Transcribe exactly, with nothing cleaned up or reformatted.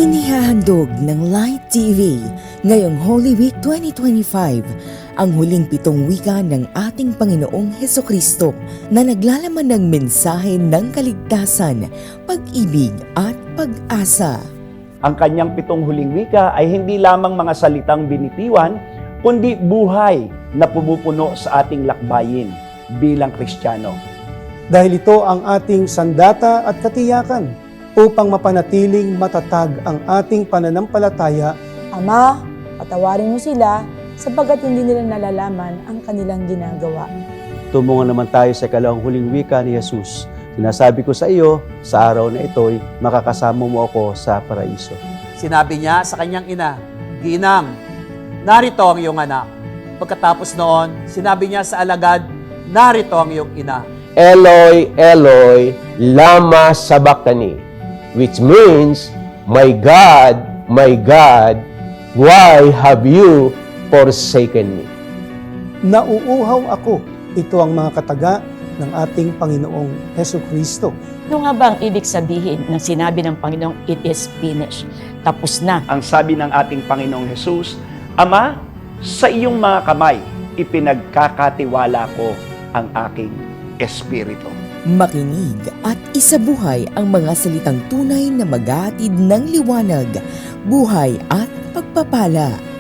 Inihahandog ng Light T V ngayong Holy Week twenty twenty-five ang huling pitong wika ng ating Panginoong Hesukristo na naglalaman ng mensahe ng kaligtasan, pag-ibig at pag-asa. Ang kanyang pitong huling wika ay hindi lamang mga salitang binitiwan, kundi buhay na pumupuno sa ating lakbayin bilang Kristiyano. Dahil ito ang ating sandata at katiyakan upang mapanatiling matatag ang ating pananampalataya. Ama, patawarin mo sila sapagkat hindi nila nalalaman ang kanilang ginagawa. Tumungo naman tayo sa ikalawang huling wika ni Jesus. Sinasabi ko sa iyo, sa araw na ito'y makakasama mo ako sa paraiso. Sinabi niya sa kanyang ina, Ginang, narito ang iyong anak. Pagkatapos noon, sinabi niya sa alagad, narito ang iyong ina. Eloi, Eloi, lama sabachthani, which means, My God, my God, why have you forsaken me? Nauuhaw ako. Ito ang mga kataga ng ating Panginoong Hesukristo. Ano nga ba ang ibig sabihin ng sinabi ng Panginoong, it is finished? Tapos na. Ang sabi ng ating Panginoong Jesus, Ama, sa iyong mga kamay, ipinagkakatiwala ko ang aking espiritu. Makinig at isabuhay ang mga salitang tunay na maghahatid ng liwanag, buhay at pagpapala.